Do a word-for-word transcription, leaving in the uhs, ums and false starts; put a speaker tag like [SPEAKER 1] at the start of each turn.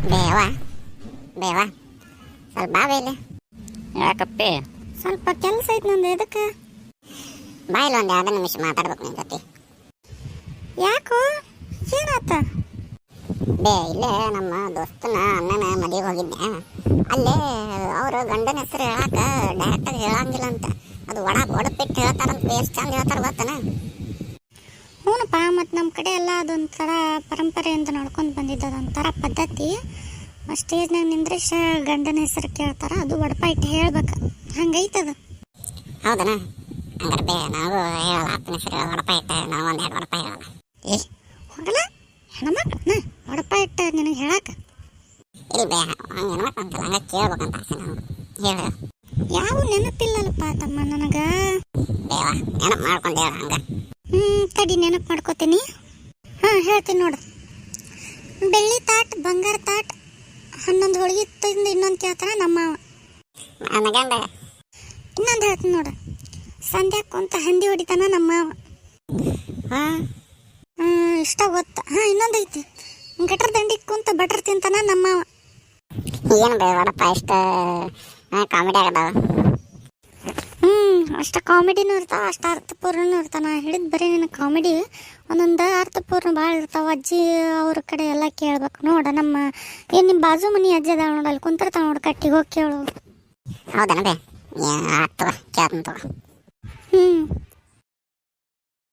[SPEAKER 1] ಬೇವ ಬೇವ ಸ್ವಲ್ಪ ಬಾ ಬೇಲೆ.
[SPEAKER 2] ಯಾಕಪ್ಪೆ?
[SPEAKER 1] ಸ್ವಲ್ಪ ಕೆಲಸ ಐತೆ ನಂದು. ಎದಕ್ಕೆ? ಬಾಯಿಲ್ಲ ಒಂದು ಎರಡು ನಿಮಿಷ ಮಾತಾಡ್ಬೇಕು ನಿನ್ನ ಜೊತೆ. ಯಾಕೋ ಏನಾತ? ಬೇ ಇಲ್ಲೇ ನಮ್ಮ ದೋಸ್ತನ ಅಣ್ಣನ ಮದುವೆಗೆ ಹೋಗಿದ್ದೆ. ಅಲ್ಲೇ ಅವರು ಗಂಡನ ಹೆಸರು ಹೇಳಾಕ ಡೈರೆಕ್ಟಾಗಿ ಹೇಳಂಗಿಲ್ಲ ಅಂತ. ಅದು ಒಡ ಒಡಪಿಟ್ಟು ಹೇಳ್ತಾರಂತ. ಎಷ್ಟು ಚಂದ ಹೇಳ್ತಾರೆ ಗೊತ್ತನ?
[SPEAKER 3] ಹ್ಞೂನಪ್ಪ, ಮತ್ತು ನಮ್ಮ ಕಡೆ ಎಲ್ಲ ಅದೊಂಥರ ಪರಂಪರೆಯಿಂದ ನೋಡ್ಕೊಂಡು ಬಂದಿದ್ದು, ಅದೊಂಥರ ಪದ್ಧತಿ. ಸ್ಟೇಜ್ನಾಗ ನಿಂದ್ರಿಸ ಗಂಡನ ಹೆಸರು ಕೇಳ್ತಾರೆ, ಅದು ಒಡಪ ಇಟ್ಟು ಹೇಳ್ಬೇಕು. ಹಂಗೈತದ.
[SPEAKER 1] ಹೌದನ? ಹಂಗಾರೆ ಬೇ ನಾವು ಹೇಳಲ್ಲ. ಅಪ್ಪನ ಹೆಸರು ಒಡಪ ಇಟ್ಟು ನಾವು ಒಂದು ಎರಡು ಒಡಪ ಹೇಳಲ್ಲ.
[SPEAKER 3] ಏ ಹೋಗಲ್ಲ, ಹೆಣ್ಮಕ್ಳನ್ನ ಒಡಪ ಇಟ್ಟು ನಿನಗೆ ಹೇಳಕ್ಕೆ.
[SPEAKER 1] ಇಲ್ಲ ಬೇ, ಹಂಗೆ ಹೆಣ್ಮಕ್ಳು ಅಂತಲ್ಲ, ಹಂಗೆ ಕೇಳ್ಬೇಕಂತ ಆಸೆ ನಾವು. ಹೇಳು.
[SPEAKER 3] ಯಾವ ನೆನಪಿಲ್ಲಲ್ಲಪ್ಪ ತಮ್ಮ ನನಗೆ.
[SPEAKER 1] ಬೇವ ನೆನಪು ಮಾಡ್ಕೊಂಡು ಹೇಳ ಹಂಗೆ.
[SPEAKER 3] ಹ್ಞೂ ತಡಿ, ನೆನಪು ಮಾಡ್ಕೋತೀನಿ. ಹಾಂ ಹೇಳ್ತೀನಿ ನೋಡು. ಬೆಳ್ಳಿ ತಾಟ್, ಬಂಗಾರ ತಾಟ್, ಹನ್ನೊಂದು ಹೋಳಿಗೆ ತಿಂದು ಇನ್ನೊಂದು ಕೇಳ್ತಾನೆ ನಮ್ಮ
[SPEAKER 1] ನನ್ನ ಗಂಡ.
[SPEAKER 3] ಇನ್ನೊಂದು ಹೇಳ್ತೀನಿ ನೋಡು. ಸಂಧ್ಯಾ ಕುಂತ ಹಂದಿ ಹೊಡಿತಾನ ನಮ್ಮ
[SPEAKER 1] ಹಾಂ
[SPEAKER 3] ಇಷ್ಟ ಗೊತ್ತ. ಹಾಂ ಇನ್ನೊಂದು ಐತಿ. ಗಟ್ರ ದಂಡಿಗೆ ಕುಂತ ಬಟ್ರ್ ತಿಂತಾನ ನಮ್ಮ.
[SPEAKER 1] ಏನು ಬೇ ವಡಪ್ಪ ಇಷ್ಟು ಕಾಮಿಡಿ ಆಗದಾವ.
[SPEAKER 3] ಹ್ಞೂ ಅಷ್ಟು ಕಾಮಿಡಿನೂ ಇರ್ತಾವ, ಅಷ್ಟು ಅರ್ಥಪೂರ್ಣನೂ ಇರ್ತಾವ. ನಾ ಹಿಡಿದು ಬರೀ ನಿನ್ನ ಕಾಮಿಡಿ, ಒಂದೊಂದು ಅರ್ಥಪೂರ್ಣ ಭಾಳ ಇರ್ತಾವ. ಅಜ್ಜಿ ಅವ್ರ ಕಡೆ ಎಲ್ಲ ಕೇಳ್ಬೇಕು ನೋಡ. ನಮ್ಮ ಏನು ನಿಮ್ಮ ಬಾಜು ಮನೆ ಅಜ್ಜಿ ಅದಾವ ನೋಡು, ಅಲ್ಲಿ ಕುಂತಿರ್ತಾವ ನೋಡು, ಕಟ್ಟಿಗೆ ಹೋಗಿ ಕೇಳು.
[SPEAKER 1] ಹೌದನ ಬೇ? ಆಯ್ತು ಕೇಳ್ತೀನಿ ತಗೋ.
[SPEAKER 3] ಹ್ಞೂ